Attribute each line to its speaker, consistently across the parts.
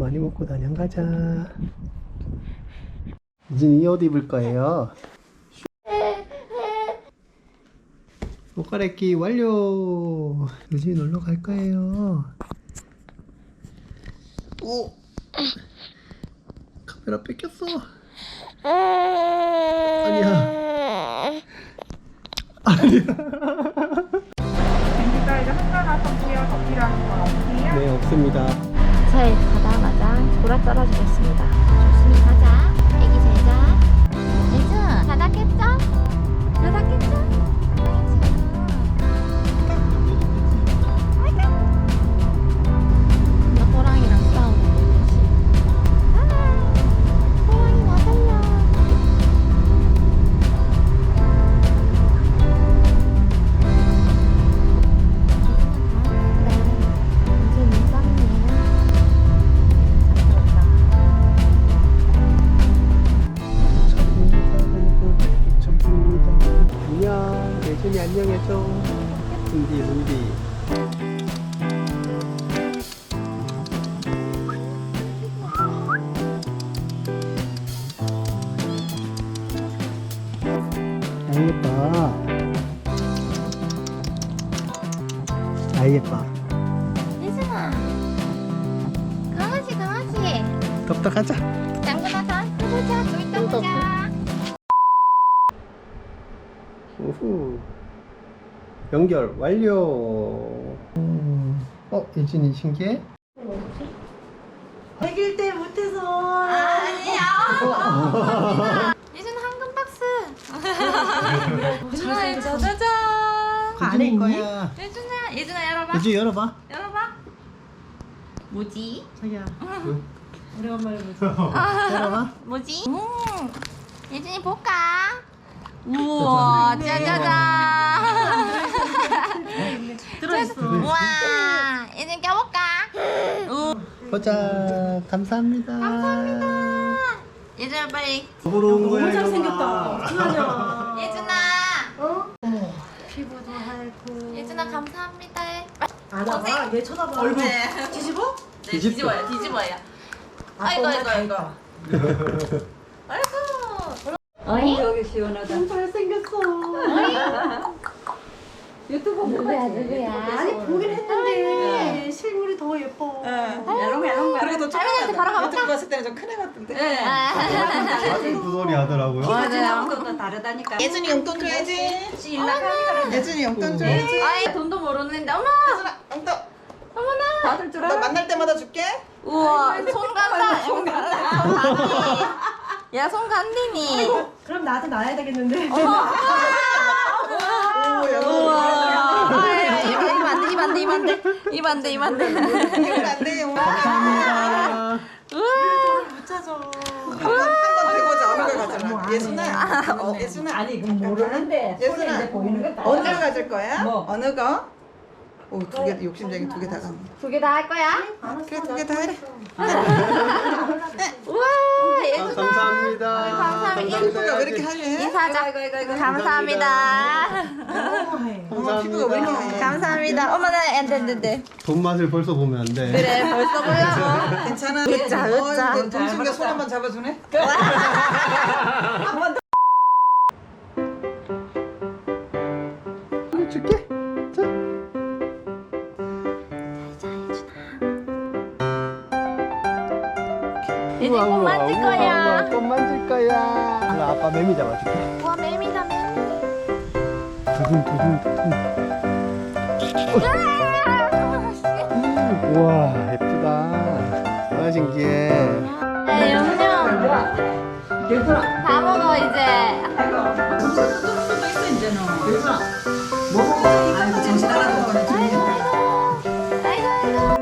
Speaker 1: 많이 먹고 다녀. 가자. 이제 이 옷 입을 거예요. 옷 갈아입기 완료. 유진이 놀러 갈 거예요. 오, 카메라 뺏겼어. 아니야.
Speaker 2: 밴드가이드 한가나 선수요. 더 필요하신 건 없으세요?
Speaker 1: 네, 없습니다.
Speaker 3: 잘 가다마자 돌아 떨어지겠습니다. 조심히 가자. 애기 잘 자. 예준, 다 닦겠죠? 다 닦겠죠? 나 호랑이랑 싸우는 거지. 호랑이 나 살려. 이제 민감이에요.
Speaker 1: 안녕. 예준이 안녕해줘. 은비. 아이 예뻐. 아이 예뻐.
Speaker 3: 예준아, 강아지.
Speaker 1: 덥다 가자.
Speaker 3: 장군아서 해보자. 좀 이따 보자.
Speaker 1: 우후. 연결 완료. 예준이 신기해?
Speaker 4: 100일 때 못해서.
Speaker 3: 아니야. 예준 황금 박스. 예준아, 짜자잔.
Speaker 4: 안에 있니?
Speaker 1: 거야.
Speaker 3: 예준아 열어봐.
Speaker 1: 예준이 열어봐.
Speaker 3: 열어봐. 뭐지?
Speaker 4: 자기야,
Speaker 1: 응.
Speaker 4: 오래간만에 보자.
Speaker 1: 열어봐.
Speaker 3: 뭐지? 예준이 볼까? 우와, 짜자잔.
Speaker 4: 들어있어.
Speaker 3: 우와, 예준 껴볼까?
Speaker 1: 보자. 감사합니다.
Speaker 3: 예준아 빨리.
Speaker 1: 보러 온 거야.
Speaker 4: 너무
Speaker 1: 이거
Speaker 4: 잘생겼다.
Speaker 1: 봐.
Speaker 4: 어떡하냐.
Speaker 3: 예준아.
Speaker 4: 어머, 피부도 하얗고.
Speaker 3: 예준아 감사합니다.
Speaker 4: 알아봐. 얘 쳐다봐.
Speaker 1: 얼굴.
Speaker 4: 뒤집어?
Speaker 3: 네,
Speaker 1: 뒤집어.
Speaker 3: 뒤집어요.
Speaker 4: 아이고.
Speaker 3: 어이?
Speaker 4: 여기 시원하다. 너무 잘생겼어. 유튜브
Speaker 3: 누구야?
Speaker 4: 아니, 보긴 했는데 실물이 더 예뻐.
Speaker 2: 야롱야롱. 그래도
Speaker 3: 할머니한테 바로 가볼까?
Speaker 2: 유튜브 봤을 때는 좀 큰 애 같은데.
Speaker 1: 아주 그 소리 하더라고요.
Speaker 4: 아무것도 다르다니까.
Speaker 2: 예준이 용돈 줘야지. 예준이 용돈 줘야지.
Speaker 3: 아이 돈도 모르는데 어머
Speaker 2: 용돈.
Speaker 3: 어머나
Speaker 4: 받을 줄
Speaker 2: 나
Speaker 4: 알아?
Speaker 2: 만날 때마다 줄게.
Speaker 3: 우와 손 간다 손 간다 야손 간디니
Speaker 4: 그럼 나한테 놔야 되겠는데.
Speaker 3: 우와 이만 안 돼.
Speaker 2: 이건 안 돼요.
Speaker 1: 감사합니다.
Speaker 4: 못 찾아.
Speaker 2: 한건 되고자 어느 걸 가져라. 예준아. 예준아.
Speaker 4: 아니, 그건 모르는데. 손에
Speaker 2: 예준아.
Speaker 4: 이제 보이는 거
Speaker 2: 어느 걸 가질 거야?
Speaker 4: 뭐?
Speaker 2: 어느 거? 오, 두 개, 욕심쟁이 두 개 다 간.
Speaker 3: 두 개 다 할 거야?
Speaker 2: 그래, 두 개 다 해.
Speaker 3: 우와 예준아
Speaker 1: 감사합니다.
Speaker 3: 감사합니다.
Speaker 2: 피부가 왜 이렇게 하얘?
Speaker 3: 인사하자 감사합니다
Speaker 2: 피부가 왜 이렇게 하얘?
Speaker 3: 감사합니다 어머나 안돼
Speaker 1: 돈 맛을 벌써 보면 안 돼.
Speaker 3: 그래 벌써 보려고
Speaker 2: 괜찮아.
Speaker 3: 으짜.
Speaker 2: 돈 챙겨 손 한번 잡아주네.
Speaker 1: 줄게. 자.
Speaker 3: 이제 꼭 만질 거야
Speaker 1: 꽃 만질 거야. 그럼 아빠 매미 잡아줄게.
Speaker 3: 우와 매미다 매미
Speaker 1: 두둥. 우와 예쁘다. 아 신기해.
Speaker 3: 네, 영영 다 먹어 이제
Speaker 2: 아이고, 정신 하나도 못 차려.
Speaker 3: 아이고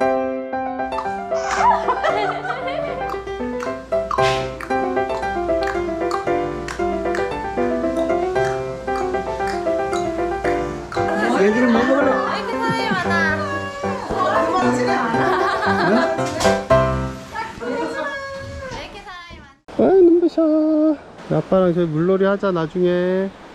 Speaker 1: 얘들은 먹어볼래?
Speaker 3: 왜 이렇게 사람이 많아 왜 이렇게 사람이 많아
Speaker 1: 아 눈부셔. 아빠랑 저희 물놀이 하자 나중에.